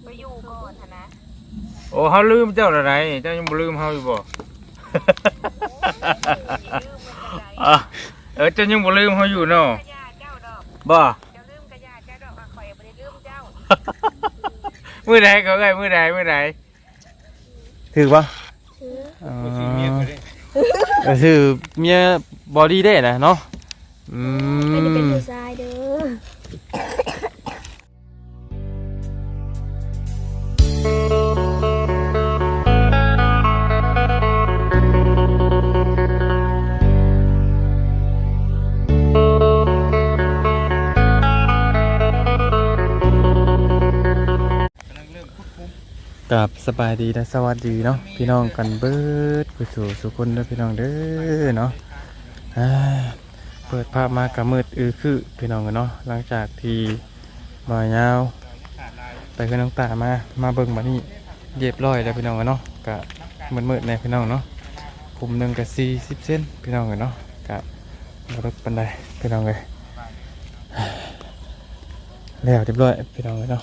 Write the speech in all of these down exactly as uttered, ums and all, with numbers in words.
อยู่ก่อนนะโอ้เขาลืมเจ้าอะไรเจ้ายังบ่ลืมเขาอยู่บ่เออเจ้ายังบ่ลืมเขาอยู่เนาะบ่มื้อใดเขาไงมื้อใดมื้อใดถือปะก็คือเมียบอดี้ได้นะเนาะอืมไม่ได้เป็นผู้ชายเด้อกับสบายดีและสวัสดีเนาะพี่น้องกันเบิดผู้สู่สุคนเด้อพี่น้องเด้อเนาะเปิดภาพมากับมืดอือคือพี่น้องกันเนาะหลังจากที่บ่อยาวไปขึ้นน้องตามามาเบิ่งมานี่เรียบร้อยแล้วพี่น้องกันเนาะกะมืดๆในพี่น้องเนาะคุมหนึ่งกับสี่สิบเซนพี่น้องกันเนาะกะรถปันไดพี่น้องเลยแล้วเรียบร้อยพี่น้องกันเนาะ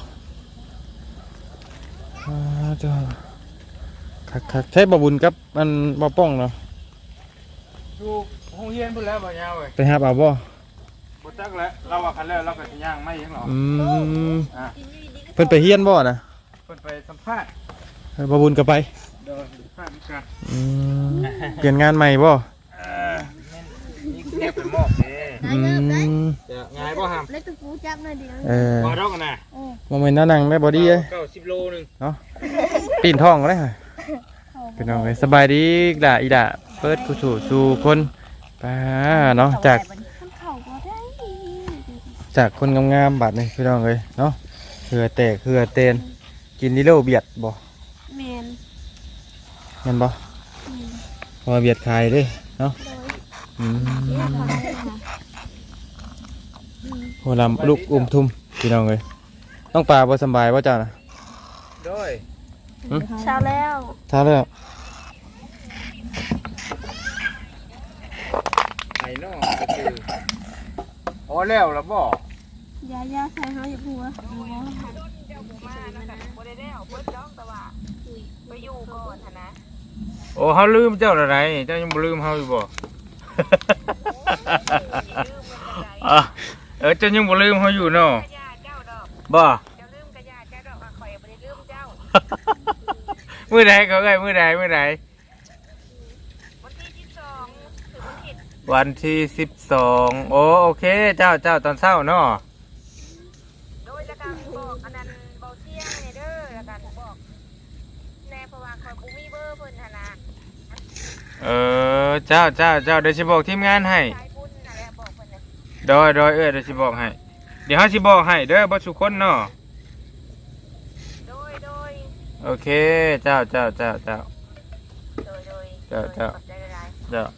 จ้าคักคักใช้บะบุญกับมันบะป้องเนาะอยู่ห้องเฮียนพุ่นแล้วบ่ยาวเว้ยไปหาบ่าวบ่บ่จักแล้วเราว่าคันแล้วเราก็สิย่างไม่ยังหรออืมเพิ่นไปเฮียนบ่นะเพิ่นไปสัมภาษณ์บะบุญก็ไปเด้อสัมภาษณ์กันอืมเปลี่ยนงานใหม่บ่เออนี่เก็บเป็นหม้อเด้อืมจะง่ายบ่หำเล็กตะปูจับหน่อยเดียวเออบ่ดอกกันน่ะบ่แม่นน่านั่งได้บ่ดีเอ้ยเก้าสิบโลนึงเนาะปีนท้องก็ได้พี่น้องเอ้ยสบายดีด่าอีด่าเปิดผู้สู่สู่คนป้าเนาะจากจากคนงามๆบาดนี่พี่น้องเอ้ยเนาะเหือแตกเหือเตนกินนิโรเบียดบ่แมนแม่นบ่พอเบียดขายเด้เนาะอืมโหลำลูกอุ้มทุ่มพี่น้องเอ้ยต้องปลาบ่สบายบ่เจ้านะโดยเช้าแล้วเช้าแล้วไอ้น้องก็คือโอ้แล้วล่ะบ่ยาย่าใส่เฮาอย่าพัวไปอยู่ก่อนนะโอ้เขาลืมเจ้าอะไรเจ้ายังบ่ลืมเขาอยู่บ่เออเจ้ายังบ่ลืมเขาอยู่เนาะบ่มื้อใดเขาไงมื้อใดมื้อใดวันที่สิบสองโอ้โอเคเจ้าเจ้าตอนเช้าเนาะโดยแล้วก็บอกอันนั้นเบาเที่ยงเด้อแล้วก็บอกแน่เพราะว่าเขาบ่มีเบอร์เพิ่นหั่นน่ะเออเจ้าเจ้าเจ้าเดี๋ยวสิบอกทีมงานให้โดยโดยเออเดี๋ยวสิบอกให้เดี๋ยวเฮาสิบอกให้เด้อบ่ทุกคนเนาะโดยโดยโอเคเจ้าเจ้าเจ้าเจ้าโดยโดยเจ้าเจ้าเจ้า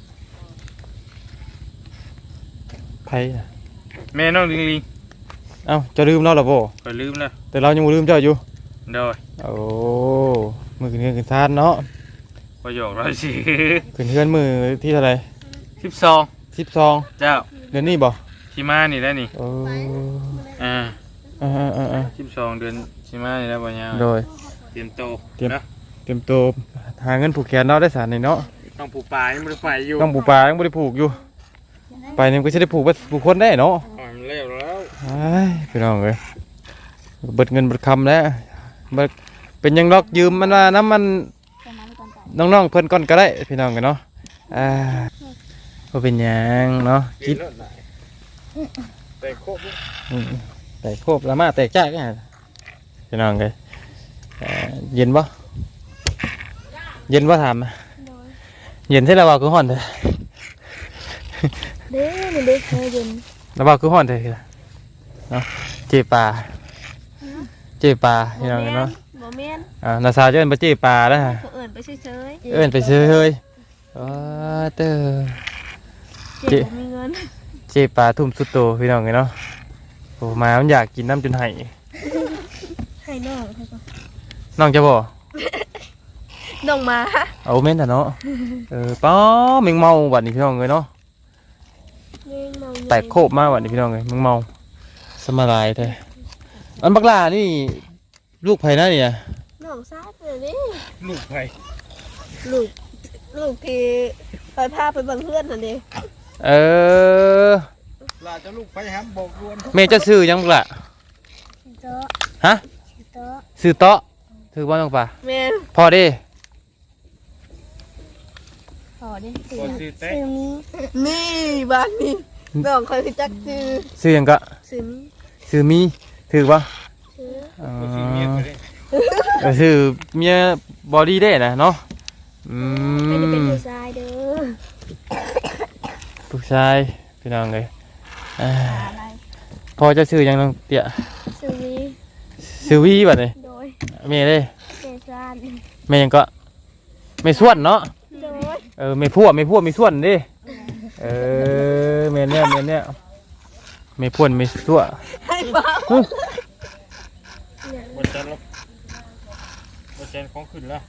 ไผ่แม่น้องลิงลิงเอ้าจะลืมเราหรอบ่ก็ลืมแล้วแต่เรายังบ่ลืมเจ้าอยู่โดยโอ้มือขึ้นเฮือนขึ้นซานเนาะประโยคเราสิขึ้นเฮือนมือที่เท่าไหร่สิบสองสิบสองเจ้าเดือนนี้บ่สิมานี่แล้วนี่โอ้อ่าอ่าอ่าอ่าสิบสองเดือนสิมานี่แล้วบ่ยาวโดยเตรียมโตเตรียมเตรียมโตหาเงินผูกแขนเนาะได้สารนี่เนาะต้องผูกปลายังบ่ได้ไปอยู่ต้องผูกปลายังบ่ได้ผูกอยู่ไปนี่ก็จะได้ผูกผูกคนได้เนาะมันเร็วแล้วไอ้พี่น้องเอ้ยเบิดเงินเบิดคำแล้วเป็นยังล็อกยืมมันว่าน้ำมันน้องๆเพิ่นก่อนก็ได้พี่น้องกันเนาะอ่าก็เป็นยังเนาะคิดแต่โคบแต่โคบละมาแต่จ้ากันพี่น้องเลยเย็นปะเย็นปะถามเย็นใช่ระบาคือห่อนเถอะเด้มันเด้เย็นระบาคือห่อนเถอะเนาะเจี๊ยปลาเจี๊ยปลาพี่น้องเนาะอ่านาซาจะเอิ้นไปเจี๊ยปลาแล้วฮะเอิ้นไปเฉยๆเอิ้นไปเฉยๆอ๋อเตอเจี๊ยมีเงินเจี๊ยปลาทุ่มสุดโตพี่น้องเนาะโอ้มามันอยากกินน้ำจนไห้ให้น้องน้องจะบ่น้องมาเอาเม้นแต่เนาะเออป้าเมึงเมาวันนี้พี่น้องเลยเนาะแตกโคบมากวันนี้พี่น้องเลยมึงเมาสมาลายแท้อันบักลานี่ลูกไผนะเนี่ยน้องซาดเลยนี่ลูกไผลูกลูกที่ไปพาไปเบังเพื่อนนั่นเองเออลาจะลูกไผหามบอกรวนแม่จะซื้อหยังบ่ล่ะเจ้าฮะเจ้าซื้อเตาะถือบ่น้องป่าแม่พอเด้ขอดิบ่ซื้อแต่ซื้อมีนี่บ้านนี้น้องคอยพิจักซื้อซื้อหยังก็ซื้อมีซื้อมีถือบ่ซื้ออ๋อบ่ซื้อเมียก็ได้เออซื้อเมียบอดี้ได้นะเนาะอืไม่ได้เป็นมผู้ชายเด้อผู้ชายพี่น้องเลยอ่าอะไรพอจะซื้อหยังน้องเตี้ยซื้อมีซื้อวีบัดนี้โดยแม่เด้เจซานแม่หยังก็แม่ส่วนเนาะโดยเออแม่พัวแม่พัวแม่ส่วนเด้เออแม่เนี่ยแม่เนี่ยแม่พวนแม่ส่วนให้บ้าบ่จันลบบ่จันของขึ้นแล้ว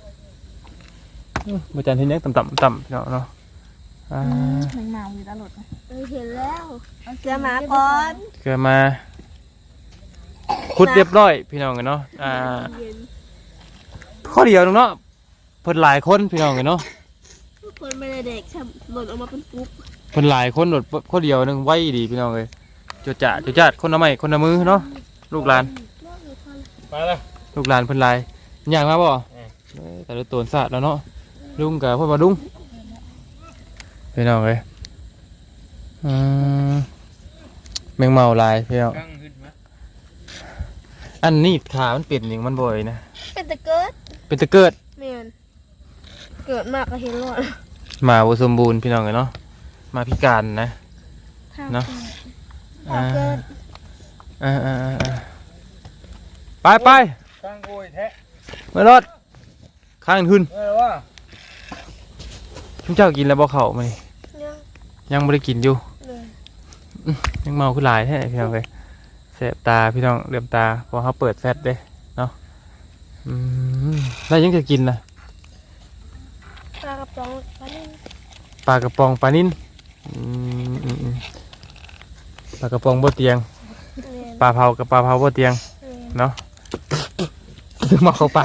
บ่จันเฮ็ดหยังต่ำๆต่ำพี่น้องเนาะอ่ามันเมาอยู่ตลอดเออเห็นแล้วเสือหมาก่อนเกิดมาขุดเรียบร้อยพี่น้องกันเนาะอ่าเย็นข้อเดียวนึงเนาะเพิ่นหลายคนพี่น้องกันเนาะทุกคนไม่ได้เด็กช่ำหล่นออกมาเป็นปุ๊บเพิ่นหลายคนโดดข้อเดียวนึงไว้ดีพี่น้องเลยจุดจ่าจุดจัดคนละไม้คนละมือเนาะลูกหลานไปแล้วลูกหลานเพิ่นหลายย่างมาบ่เออเอ้ยแต่ละตัวสะแล้วเนาะลุงกับพ่อมาลุงพี่น้องเลยอืมแมงเมาหลายพี่น้องกังขึ้นมาอันนี้ขามันเป็นอย่างมันบ่อยนะเป็นตะเกิดเป็นตะเกิดเมียนเกิดมากก็เห็นหลอดหมาบ่สมบูรณ์พี่น้องเลยเนาะมาพิการนะ เนาะตะเกิดอ่าอ่าอ่าอ่าไปไปกังโอยแท้มารถข้างทุนเออว่าชุมเจ้ากินแล้วบ่เข้ามานี่ยังยังบ่ได้กินอยู่เลยยังเมาขึ้นหลายแท้พี่น้องเลยแสบตาพี่น้องเหลื่อมตาเพอเขาเปิดแฟตเด้เนาะอืมแล้วยังจะกินนะปลากระป๋องปลานิ่มปลากระป๋องปลานิ่นอืมอืมอืมปลากระป๋องบ่เตียงเมียนปลาเผากับปลาเผาบ่เตียงเมียนเนาะ เมาเข้าปาก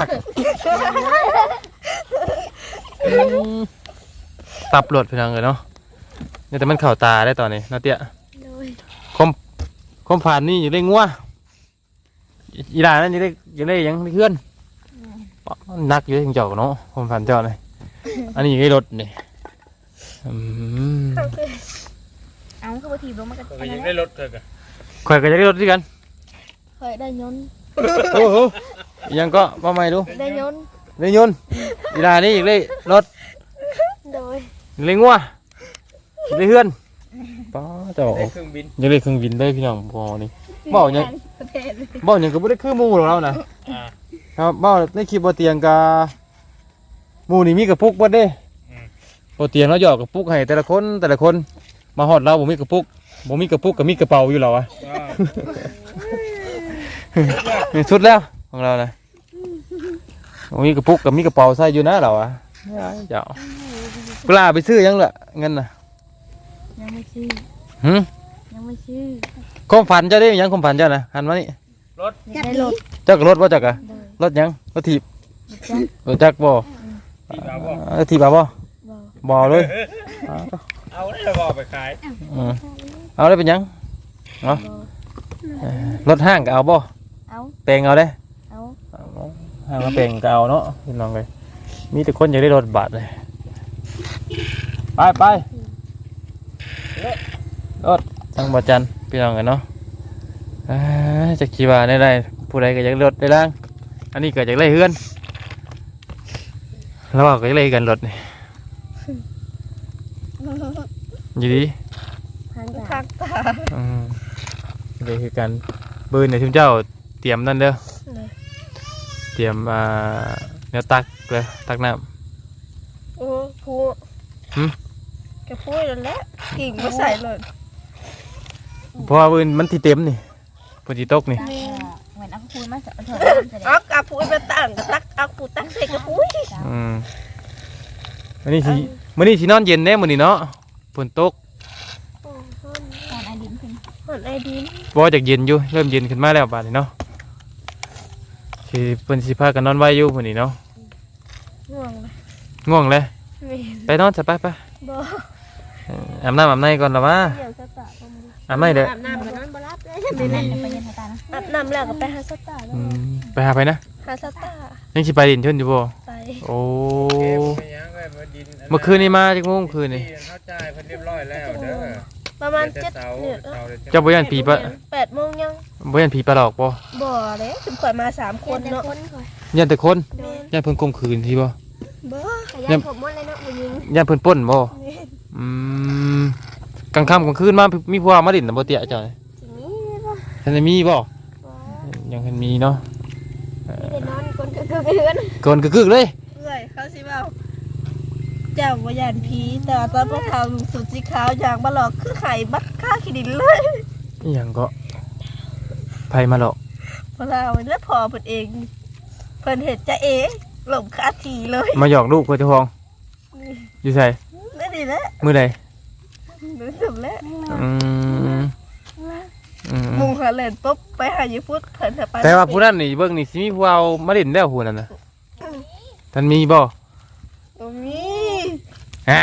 อืมตับหลดพี่น้องเลยเนาะเนี่ยแต่มันเข่าตาได้ตอนนี้เนาะเตี้ยโดยคมคมผ่านนี่อยู่ได้งัวอีอีหลานนั่นอยู่ได้อยู่ได้หยังได้เพื่อนปะมันนักอยู่ได้ถึงเจ้าเนาะคมผ่านเจ้าเลยอันนี้อยู่ได้รถนี่อืมเอาคือว่าถีบลงมากันก็ยังได้รถเถอะกะข่อยก็จะได้รถด้วยกันเคยได้ยนต์โอ้โหอีหยังก็ว่าไม่ดูได้ยนต์ได้ยนต์อีหลานนี่อีกเลยรถโดยอีกเลยงัวอีกเลยเพื่อนป้าเจ้าได้เครื่องบินยังได้เครื่องบินได้พี่น้องบ่นี่บ่ยังประเทศเลยบ่ยังก็บ่ได้คือหมู่ของเรานะอ่าครับบ่ในคลิปบ่เตียงกะหมู่นี่มีกระปุกเบิดเด้อืมบ่เตียงเราหยอกกระปุกให้แต่ละคนแต่ละคนมาฮอดเราบ่มีกระปุกบ่มีกระปุกก็มีกระเป๋าอยู่แล้วอะอ่าสุดแล้วของเรานะบ่มีกระปุกก็มีกระเป๋าใส่อยู่นะเราอะเจ้าปลาไปซื้อยังล่ะเงินน่ะยังไม่ชื่อหึยังไม่ชื่อความฝันเจ้าได้ยังความฝันเจ้าน่ะหันมานี่รถได้รถเจ้าก็รถบ่จักอะรถหยังรถถีบรถจักรบ่ที่บ่าวบ่เออถีบบ่บ่บ่เลยอ๋อเอาได้บ่ไปขายอืมเอาได้เป็นหยังเนาะเออรถห้างก็เอาบ่เอาแปลงเอาได้เอาห้างมาแปลงก็เอาเนาะพี่น้องเลยมีแต่คนอยากได้รถบัสเลยไปไปรถทางบ่จันพี่น้องกันเนาะอ่าจะขี่ว่าได้ได้ผู้ใดก็อยากได้รถได้ล่างอันนี้ก็อยากได้เฮือนแล้วก็อยากได้กันรถนี่อยู่ดีทางทางตาอืมเลยคือการปืนในทุ่มเจ้าเตรียมนั่นเด้อเลยเตรียมอ่าแนวตักเลยตักน้โอ้พูหึแกพูดแล้วแหละกิ่งมาใส่เลยำเพราะว่าปืนมันที่เต็มนี่ปืนที่ตกนี่เหมือนเอาคุยมาเถอะเถอะอักอาพูดไปตั้งกตักอักพูดตั้งใส่กระปุ้ยอืมมันนี่สิมันนี่สินอนเย็นแน่มันนี่เนาะฝนตกตอนไอดินขึ้นหอนไอดินเพราะว่าจากเย็นอยู่เริ่มเย็นขึ้นมาแล้วบาดนี้เนาะสิเพิ่นสิพากันนอนไว้อยู่พุ่นนี่เนาะง่วงเลยง่วงเลยแม่นไปนอนซะไปไปบ่เอ่ออาบน้ำอาบในก่อนละวะเดี๋ยวสตาร์บ่มีอาบในเด้ออาบน้ำก็นอนบ่รับเลยเล่นไปยันตานะอาบน้ำแล้วก็ไปหาสตาร์อืมไปหาไปนะหาสตาร์ยังสิไปดินชนอยู่บ่ไปโอ้เก็บไปยังไว้บ่ดินเมื่อคืนนี้มาจักโมงคืนนี่เข้าใจเพิ่นเรียบร้อยแล้วเด้อประมาณแต่เจ็ดเสาเนี่ยเสาเลยเจ้าบ่ยันผีปะแปดโมงยังบ่ยันผีปลาหลอกบ่บ่เลยถึงข่อยมาสามคนเนาะยันแต่คนแม่นยันเพิ่นข่มขืนทีบ่บ่ยันผมหมดเลยเนาะผู้หญิงยันเพิ่นปล้นบ่แม่นอืมกลางค่ำกลางคืนมามีผู้ว่ามาดินน่ะบ่เตี้ยเจ้าสิมีบ่ท่านได้มีบ่บ่ยังทันมีเนาะมีแต่นอนคนก็คือเพื่อนเกินกึกๆเลยเอ้ยเขาสิเว้าเจ้าบ่ยานผีแต่ว่าตอนพวกเขาลุงสุดสีขาวอย่างบ่หลอกคือไข่บัดค่าขี้ดินเลยอหยังก็ไผมาหรอกเพราะเราเนี่ยพอเพิ่นเองเพิ่นเห็นจะเอ๋หลบคาทีเลยมาหยอกลูกเพื่อเจ้าของอยู่ไสนั่นนี่แหละมื้อใดรู้สึกแล้วอืมอืมมุงหาเล่นปุ๊บไปหาอยู่พุทธเพิ่นจะไปแต่ว่าผู้นั้นนี่เบิ่งนี่สิมีผู้เอามาเล่นแล้วผู้นั้นน่ะท่านมีบ่บ่มีอ่า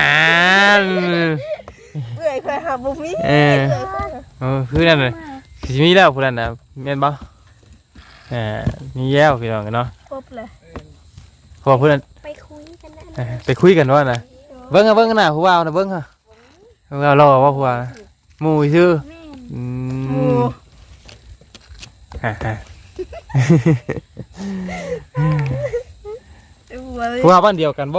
เอ้ยเคยหาบ่มีเออ เออคือนั่นน่ะสิมีแล้วผู้นั้นน่ะแม่นบ่อ่ามีแล้วพี่น้องกันเนาะปุ๊บเลยเพราะว่าผู้นั้นไปคุยกันนั่นเออไปคุยกันว่าน่ะเบิ่งอะเบิ่งกันน่ะผู้ว่าน่ะเบิ่งค่ะผู้ว่ารอว่าผู้ว่าหมู่ซื่ออืหมูมฮ่าฮ่าหัวเลยผู้ว่าบ้านเดียวกันบ่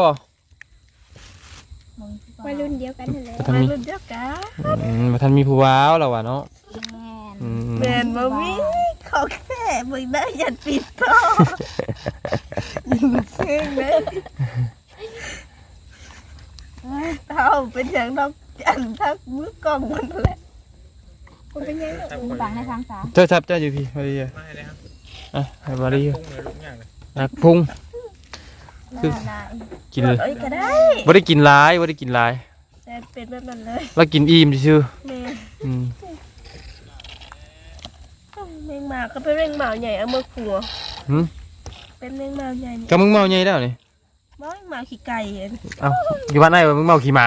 วัยรุ่นเดียวกันนั่นแหละบ่ทันวัยมีรุ่นเดียวกันอืมบ่ทันมีผู้ว่าวแล้วว่ะเนาะแม่อืมแม่นบ่มีขอแค่มึงได้ยันปิดท่อยิงเชิงเลยเท่าเป็นอย่างดอกจันทักมือกล้องมันนั่นแหละมันเป็นยังไงฟังในทางสาเจ้าทับเจ้าอยู่พี่มาดีอ่ะมาให้เลยครับอ่ะให้มาดีพุ่งเลยลูกอย่างเลยนักพุงคือลายกินเลยเอ้ยก็ได้บ่ได้กินหลายบ่ได้กินหลายแต่เป็นแบบนั้นเลยแล้วกินอิ่มซื่อแม่ๆอืมแมงหมาก็เป็นแมงหมาใหญ่เอามือขัวหึเป็นแมงหมาใหญ่นี่ก็มึงเมาใหญ่แล้วนี่บ้าแมงหมาขี้ไก่เองเอ้าอยู่บ้านไหนวะมึงเมาขี่หมา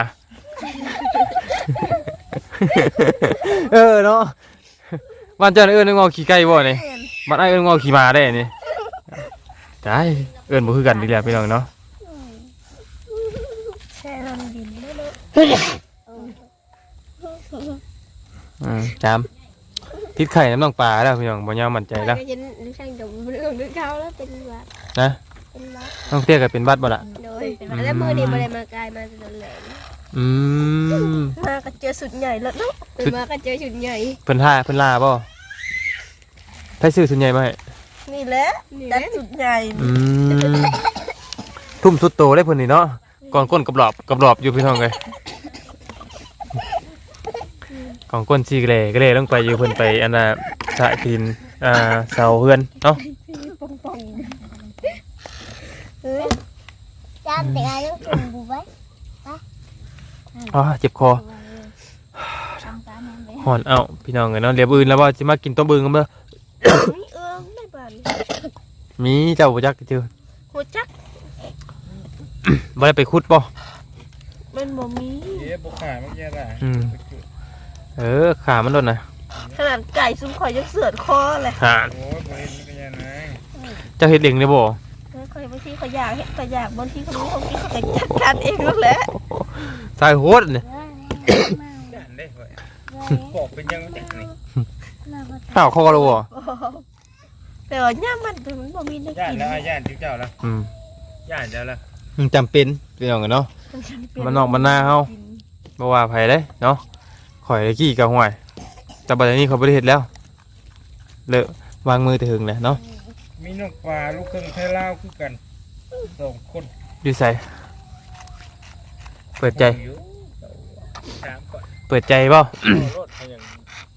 เออเนาะบ้านเจ้าน่ะเอิ้นมึงเมาขี่ไก่บ่นี่บ้านไอ้เอิ้นมึงเมาขี่หมาได้นี่ตายเอิ้นบ่คือกันดีแหละพี่น้องเนาะแช่ลำดินได้เลยอืมจามทิศไข่น้ำน้องปลาแล้วพี่น้องบ่ยาวมั่นใจแล้วก็ยันช่างดมเรื่องนึกเขาแล้วเป็นวัดนะเป็นวัดน้องเตี้ยก็เป็นบัดบ่ล่ะโดยแล้วมือนี่มาเลยมากายมาจนแหลมอืมมาก็เจอสุดใหญ่แล้วเนาะเป็นมาก็เจอสุดใหญ่เพิ่นท่าเพิ่นลาบ่ไผซื้อส่วนใหญ่มาให้นี่แหละดัดสุดใหญ่อืมทุ่มสุดโตได้เพิ่นนี่เนาะก่อนก้นกับหลอบกับหลอบอยู่พี่น้องเอ้ยก่อนก้นซี่กะเลกะเลลงไปอยู่เพิ่นไปอันน่ะสะกินอ่าเสาเฮือนเนาะเฮ้ยจานแต่อะไรต้องจุ่มบุ้ไว้อ๋อเจ็บคอทางสาแม่เลยหอนเอ้าพี่น้องเอ้ยเนาะเดี๋ยวอื่นแล้วว่าสิมากินต้มบึงกันเด้อนี่เออไม่บานมีเจ้าบ่จักเจอหัวจักบ่ได้ไปขุดบ่มันบ่มีเอ๊ะบุกขาเมื่อกี้อะไรอืม เออขามันโดนน่ะขนาดไก่ซุ้มข่อยยังเสือดคอเลยหาโอ้ยบริเวณนี้ก็ยังไงเจ้าเฮ็ดเองได้บ่ข่อยบางทีข่อยอยากเห็นข่อยอยากบางทีเขาไม่เขาคิดเขาจัดการเองนั่นแหละสายโหดเนี่ยยันได้เว้ยบอกเป็นยังจังนี่ข้าวคอแล้วบ่แต่ว่าย่ามันมันบ่มีได้ย่านกินแล้วย่านจิ้วเจ้าแล้วอืมย่านเจ้าแล้วมันจำเป็นพี่น้องกันเนาะ มันนอกมันหน้าเฮา บ่ว่าไผเด้เนาะข่อยตะกี้ก็ห่วยแต่บัดนี้เขาบ่ได้เฮ็ดแล้วเลอะวางมือแต่หึงแหละเนาะมีนกปลาลูกครึ่งไทยลาวคือกันสองคนอยู่ไสเปิดใจอยู่สามก่อนเปิดใจบ่รถเขาอย่าง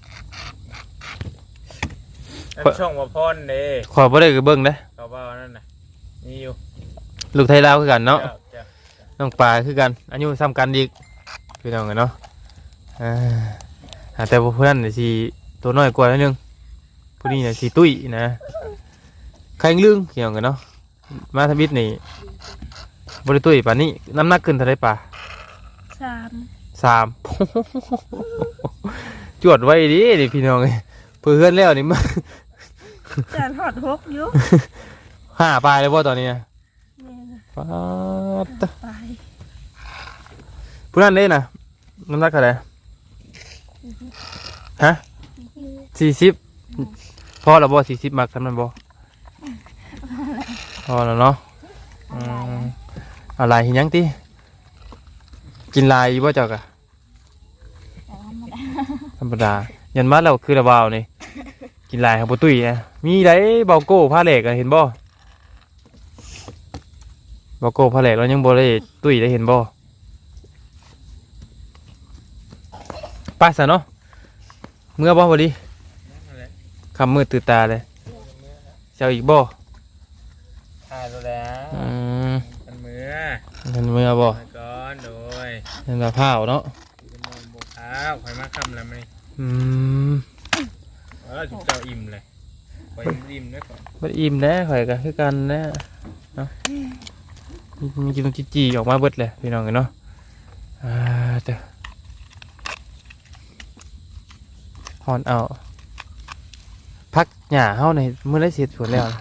อันช่องว่าพรเด้ขอยบ่ได้ก็เบิ่งเด้เขาว่านั่นน่ะมีอยู่ลูกไทยลาวคือกันเนาะจ้จ้ะน้องปลาคือกันอายุซ้ำกันอีกพี่น้องกันเนาะอ่าหาแต่ว่าเพื่อนน่ะสิตัวน้อยกว่านิดนึงผู้นี้น่ะสิตุ้ยนะใครลึงเกี่ยวกันเนาะมาทบิดนี่บริตุ้ยป่านนี้น้ำหนักขึ้นเท่าไรป่ะสามสาม จวดไว้ดิดิพี่น้องเลยเพื่อนแล้วนี่มาจานหอดหกอยู่ห้าปลายเลยว่าตอนนี้นะแม่นะป๊าดไปผู้นั้นเด้นะน้ำหนักเท่าไหร่ฮะสี่สิบพอแล้วบ่สี่สิบมักทำมันบ่พอแล้วเนาะอืมอะไรเห็นยังติกินลายบ่เจ้ากะธรรมดายันมาแล้วคือระบาวนี่กินลายของปุตุ้ยนะมีได้เบาโก้ผ้าเหล็กอะเห็นบ่เบาโก้ผ้าเหล็กเรายังบ่ได้ตุ้ยได้เห็นบ่ไปซะเนาะเมื่อบ่พอดีคำมืดตื่นตาเลยเจ้าอีกบ่ถ่ายแล้วอืมกันมือเห็นเมื่อบ่มาก่อนโดยเห็นมะพร้าวเนาะจะมองบุกอ้าวข่อยมาคำแล้วไหมอืมเออจุดเจ้าอิ่มเลยข่อยอิ่มด้วยก่อนบ่อิ่มแน่ข่อยก็คือกันแน่เนาะมีกินจีจีออกมาเบิดเลยพี่น้องกันเนาะอ่าเด้อฮอนเอาพักหญ้าเฮาในมื้อไรเสร็จสวนแล้ว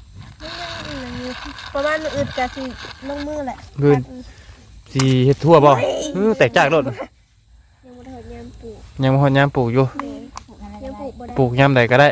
ประมาณมื้ออื่นกะสิลงมือแหละบืนสิเฮ็ดทั่วบ่อื้อแตกจากโลดยังบ่ได้เฮ็ดยามปลูกยังบ่ฮอดยามปลูกอยู่ยังปลูกบ่ได้ปลูกยามใดก็ได้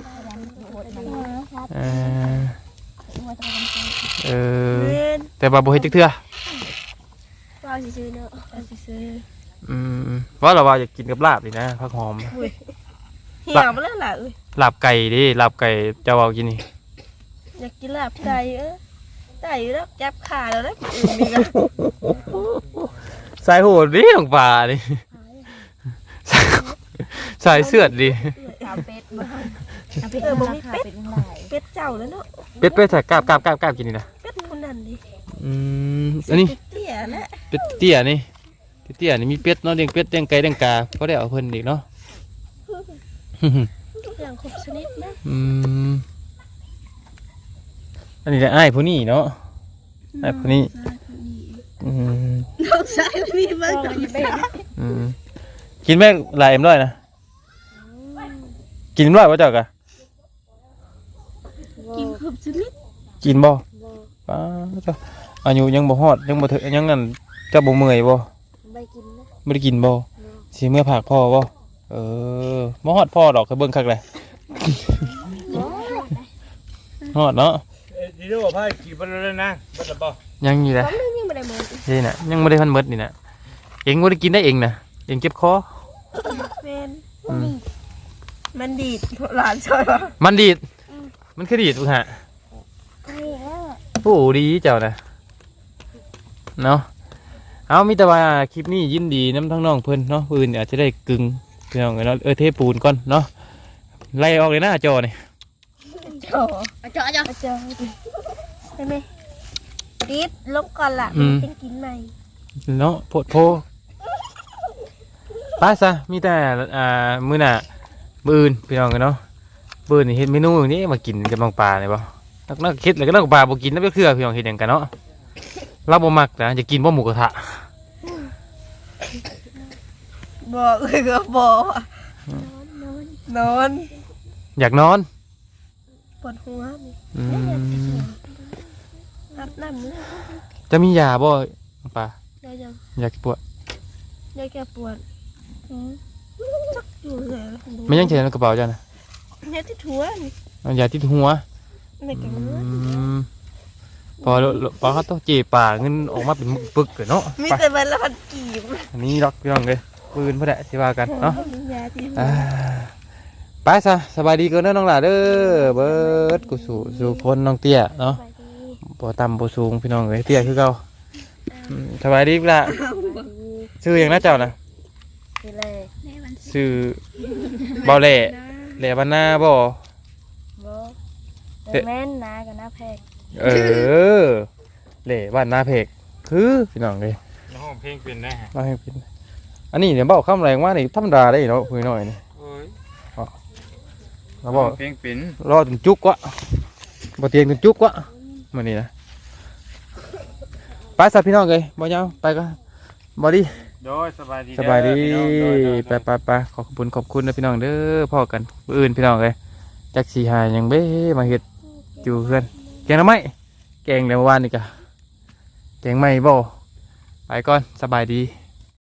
เออเออเล่นแต่ว่าบ่เฮ็ดจักเทื่อว่าสิซื้อเนาะว่าสิซื้ออืมว่าเราว่าอยากกินกับลาบนี่นะผักหอมเหี่ยวมาแล้วล่ะเอ้ยลาบไก่ดิลาบไก่เจ้าเอากินนี่อยากกินลาบไก่เอ้ยได้อยู่แล้วจับขาแล้วนะอื่นมีกันสายโหดดิลงป่าดิสายเสือดดิสามเป็ดมาเออบ่มีเป็ดเป็นหลายเป็ดเจ้าแล้วเนาะเป็ดเป็ดใส่กาบกาบกาบกาบกินนี่นะเป็ดคนนั้นดิอืมอันนี้เป็ดเตี้ยนะเป็ดเตี้ยนี่เป็ดเตี้ยนี่มีเป็ดเนาะเลี้ยงเป็ดเลี้ยงไก่เลี้ยงกาก็ได้เอาเพิ่นอีกเนาะอย่างครบชนิดนะอืมอันนี้แหละอ้ายผู้นี้เนาะอ้ายผู้นี้อืมน้องชายมีมากกว่าเป็ดอืมกินแม่หลายเอ็มร้อยนะกินเอ็มร้อยป่ะเจ้ากะกินครบชนิดกินบ่ป้าเจ้าอายุยังบ่ฮอดยังบ่ถึงยังนั่นเจ้าบ่เมื่อยบ่ใบกินนะบ่ได้กินบ่สิเมื่อผากพ่อบ่เออบ่ฮอดพ่อดอกเคยเบิ่งคักเลยฮอดเนาะเอ้ยดีด้วยว่าพ่อกี่บันแล้วนะบันละบ่ยังอยู่แหละผมนึงยังไม่ได้หมดนี่น่ะยังบ่ได้ทันหมดนี่น่ะเองบ่ได้กินได้เองน่ะเองเจ็บคอแมนอืมมันดีดหลานชอยวะมันดีดมันคือดีดพุ่นฮะใช่แล้วโอ้ดีเจ้าน่ะเนาะเอามีแต่ว่าคลิปนี้ยินดีน้ำทั้งน้องเพิ่นเนาะปืนอาจจะได้กึ่งพี่น้องเนาะเออเทปูนก่อนเนาะไล่ออกเลยนะจอนี่จอเอาจ้าจ้าจอได้ไหมดีดลงก่อนล่ะเป็นกินใหม่เนาะโพดโพไป้าซะมีแต่อ่ามื้อหน่ะมื้ออื่นพี่น้องกันเนาะมื้อนี่เฮ็ดเมนูนี้มากินกับน้องปลาเนี่ยบ่นักนักคิดแล้วก็น้องปลาบ่กินแล้วไปเครือพี่น้องเฮ็ดหยังกันเนาะเราบ่มักนะจะกินบ่หมูกระทะบ่เอ้ยก็บ่นอนอยากนอนปวดหัวนี่อืมอาบน้ำเลยจะมียาบ่น้องปลาได้ยังอยากปวดได้แก้ปวดจักอยู่เลยไม่ยังเฉยในกระเป๋าจ้ะนะเนี่ยที่ถัวนี่เอายาติดหัวในกระอืเมือมพอพอเขาต้องเจป่าเงินออกมาเป็นปึกๆเนาะมีไปแต่วันละพันกีบอันนี้ล็อกพี่น้องเลยปืนพ่อแดะสิว่ากันเนาะยาที่อ่าไปซะสบายดีกันเด้อน้องหล่าเด้อเบิดกูสู่สู่คนน้องเตี้ยเนาะบ่ต่ำบ่สูงพี่น้องเอ้ยเตี้ยคือเก่าอืมสบายดีปะล่ะชื่อหยังนะเจ้านะคืออะไรชื่อเบาแหล่แหล่บ้านนาบ่บ่แต่แม่นนะกับหน้าแพกเออแหล่บ้านนาเพกคือพี่น้องเอ้ยแล้วห้องเพลงเป็นได้ฮะมาให้เป็นอันนี้เดี๋ยวเบาคำแรงว่านี่ธรรมดาได้เนาะคุยหน่อยนี่โอ้ยเราบอกเพลงเป็นรอจนจุกวะบ่เตียงจนจุกวะมื้อนี้นะไปสับพี่น้องเอ้ยบ่ยาวไปก็บ่ดีโดยสบายดีสบายดีเอพี่น้องโดยโดยไปไปไปขอบคุณขอบคุณนะพี่น้องเด้อพ่อกันมื้ออื่นพี่น้องเอ้ยจักสิหาหยังเบ้มาเฮ็ดอยู่เพื่อนแกงหน่อไม้แกงแต่เมื่อวานนี่กะแกงไม่บ่ไปก่อนสบายดี